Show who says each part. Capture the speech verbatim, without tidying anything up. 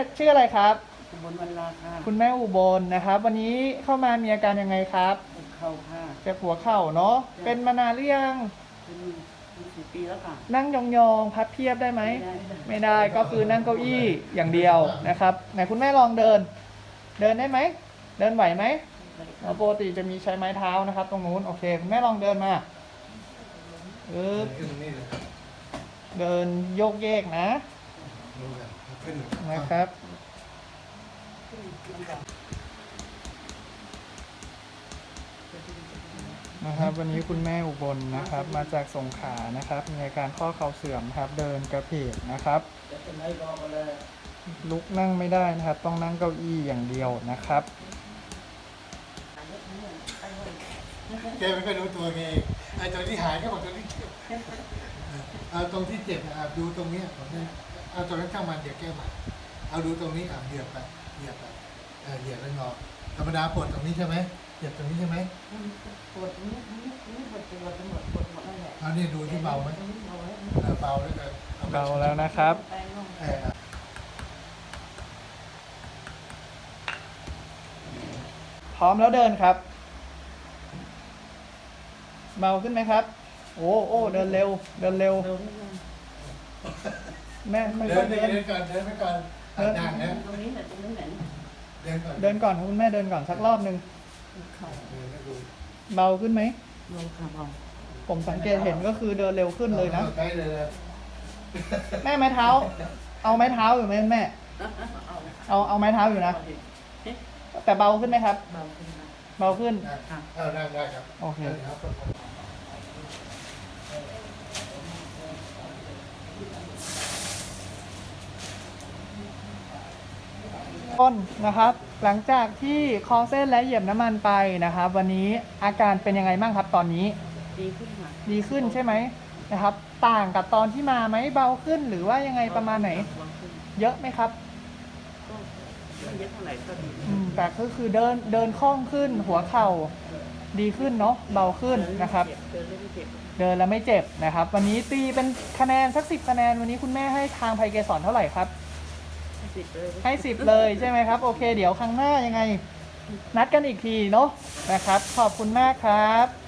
Speaker 1: ชื่ออะไรครับ
Speaker 2: อุบลวรรณาค่ะ
Speaker 1: คุณแม่อุบลนะครับ วันนี้เข้ามามีอาการยังไงครับ
Speaker 2: เป็นเข่าค่ะ
Speaker 1: เจ็บหัวเข่าเนาะเป็นมานานหรือยัง
Speaker 2: เป็นเป็นสี่ปีแล้วค่ะ
Speaker 1: นั่งยองๆพับเพียบได้ไหม
Speaker 2: ไม่ได้
Speaker 1: ไม่ได้ก็คือนั่งเก้าอี้อย่างเดียวนะครับไหนคุณแม่ลองเดิน เดินได้ไหมเดินไหวไหมเราปกติจะมีใช้ไม้เท้านะครับ ตรงนู้นโอเคคุณแม่ลองเดินมาเออเดินโยกเยกนะนะครับนะครับวันนี้คุณแม่อุบลนะครับมาจากสงขลานะครับมีอาการข้อเข่าเสื่อมครับเดินกระเพกนะครับลุกนั่งไม่ได้นะครับต้องนั่งเก้าอี้อย่างเดียวนะครับ
Speaker 3: แกไม่ค่อยรู้ตัวไงไอ้ตรงที่หายก็บอกตรงที่เจ็บเอาตรงที่เจ็บอ่ะดูตรงนี้ผมเนี่ยเอาตรงนั้นช่างมันเดี๋ยวแก้ใหม่เอาดูตรงนี้อ่ะเหยียบไปเหยียบไปเออเหยียบแล้วงอธรรมดาปวดตรงนี้ใช่ไหมเหยียบตรงนี้ใช่ไหม
Speaker 2: ปวดนี้นี้นี้ปวดปวดปวดปวดหมดนั่นแหละ
Speaker 3: เอานี่ดูที่เบาไหมเออเบาแล้วกัน
Speaker 1: เบาแล้วนะครับ
Speaker 3: เออ
Speaker 1: พร้อมแล้วเดินครับเบาขึ้นไหมครับโอ้โอ้เดินเร็วเดินเร็วแม่ไม่
Speaker 3: เดิ
Speaker 1: ค่อน ย
Speaker 3: ไป
Speaker 1: เดิน
Speaker 3: เดินก่อนเดินไปก่อนนั่งนะ
Speaker 2: ตรงนี้แหละตรงนี้แหละ
Speaker 3: เดินก่อน
Speaker 1: เดินก่อนคุณแม่เดินก่อนสักรอบหนึ่ง
Speaker 2: เข่า
Speaker 3: เดินแล้วดู
Speaker 1: เบาขึ้นไหม
Speaker 2: ลงขาเบา
Speaker 1: ผมสังเกตเห็นก็คือเดินเร็วขึ้นเลยนะ
Speaker 3: ใช้เลยนะ
Speaker 1: แม่ไม้เท้า เอาไม้เท้าอยู่ไหมแม่เอาเอาไม้เท้าอยู่นะแต่เบาขึ้นไหมครับ
Speaker 2: เบาขึ้นมา
Speaker 1: เบาขึ้น
Speaker 3: เอานั่งได้ครับ
Speaker 1: โอเคต้นนะครับหลังจากที่คอเส้นและเหยียบน้ำมันไปนะครับ วันนี้อาการเป็นยังไงบ้างครับตอนนี้
Speaker 2: ดีขึ้นค่ะ
Speaker 1: ดีขึ้นใช่ไหมนะครับ ต่างกับตอนที่มาไหมเบาขึ้นหรือว่ายังไงประมาณไหน
Speaker 2: เบาขึ้น
Speaker 1: เยอะไหมครับ
Speaker 2: ก็ไม่เยอะเท่าไหร่ก็ดี
Speaker 1: อืมแต่ก็คือเดินเดินคล่องขึ้นหัวเข่าดีขึ้นเนาะเบาขึ้นนะครับ
Speaker 2: เดินไม่เจ็บ
Speaker 1: เดินแล้วไม่เจ็บนะครับ วันนี้ตีเป็นคะแนนสักสิบคะแนนวันนี้คุณแม่ให้ทางไพเกสรเท่าไหร่ครับ
Speaker 2: สิบเลย
Speaker 1: ให้สิบเลยใช่ไหมครับโอเคเดี๋ยวครั้งหน้ายังไง นัดกันอีกทีเนาะนะครับ ขอบคุณมากครับ